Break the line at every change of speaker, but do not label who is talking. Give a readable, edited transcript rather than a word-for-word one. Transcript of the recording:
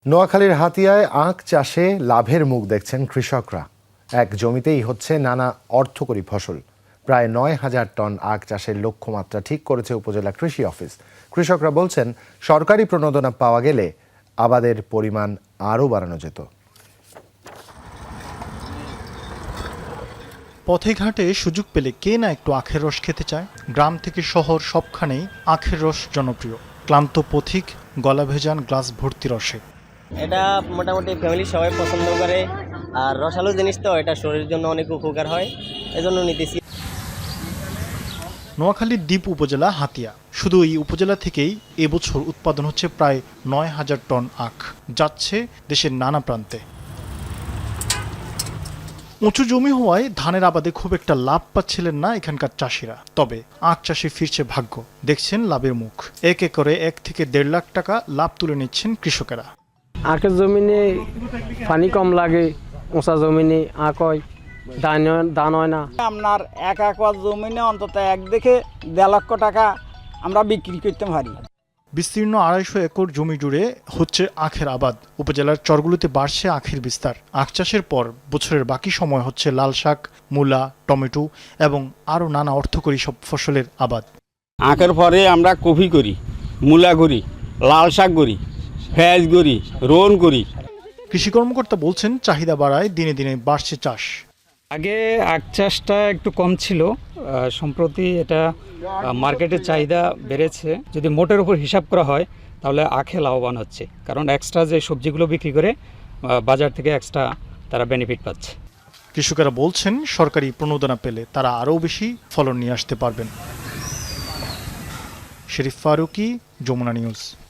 নোয়াখালীর হাতিয়ায় আখ চাষে লাভের মুখ দেখছেন কৃষকরা। এক জমিতেই হচ্ছে নানা অর্থকরী ফসল। প্রায় ৯,০০০ টন আখ চাষের লক্ষ্যমাত্রা ঠিক করেছে উপজেলা কৃষি অফিস। কৃষকরা বলছেন, সরকারি প্রণোদনা পাওয়া গেলে আবাদের পরিমাণ আরও বাড়ানো যেত।
পথে ঘাটে সুযোগ পেলে কে না একটু আখের রস খেতে চায়। গ্রাম থেকে শহর সবখানেই আখের রস জনপ্রিয়। ক্লান্ত পথিক গলা ভেজান গ্লাস ভর্তি রসে।
এটা মোটামুটি ফ্যামিলি সবাই পছন্দ করে, আর রসালো জিনিস তো এটা শরীরের জন্য অনেক উপকার হয়, এজন্য নিতেছি।
নোয়াখালীর দ্বীপ উপজেলা হাতিয়া। শুধু এই উপজেলা থেকেই এবছর উৎপাদন হচ্ছে প্রায় ৯,০০০ টন আখ, যাচ্ছে দেশের নানা প্রান্তে। উঁচু জমি হওয়ায় ধানের আবাদে খুব একটা লাভ পাচ্ছিলেন না এখানকার চাষিরা। তবে আখ চাষে ফিরছে ভাগ্য, দেখছেন লাভের মুখ। এক একরে ১ থেকে ১.৫ লাখ টাকা লাভ তুলে নিচ্ছেন কৃষকেরা।
আখের জমিনে পানি কম লাগে, উঁচা জমিনে আখ হয়, ধান হয় না।
আপনার ১ একর জমিনে অন্তত ১ থেকে ১.৫ লক্ষ টাকা আমরা বিক্রি করতে পারি।
বিস্তীর্ণ ২৫০ একর জমি জুড়ে হচ্ছে আখের আবাদ। উপজেলার চরগুলোতে বাড়ছে আখের বিস্তার। আখ চাষের পর বছরের বাকি সময় হচ্ছে লাল শাক, মূলা, টমেটো এবং আরও নানা অর্থকরী সব ফসলের আবাদ।
আখের পরে আমরা কফি করি, মূলা করি, লাল শাক করি, পেঁয়াজ করি, রোন করি।
কৃষি কর্মকর্তা বলছেন, চাহিদা বাড়ায় দিনে দিনে বাড়ছে চাষ।
আগে আখ চাষটা একটু কম ছিল, সম্প্রতি এটা মার্কেটের চাহিদা বেড়েছে। যদি মোটের উপর হিসাব করা হয় তাহলে আখে লাভবান হচ্ছে, কারণ এক্সট্রা যে সবজিগুলো বিক্রি করে বাজার থেকে এক্সট্রা তারা বেনিফিট পাচ্ছে।
কৃষকেরা বলছেন, সরকারি প্রণোদনা পেলে তারা আরও বেশি ফলন নিয়ে আসতে পারবেন। শরীফ ফারুকী, যমুনা নিউজ।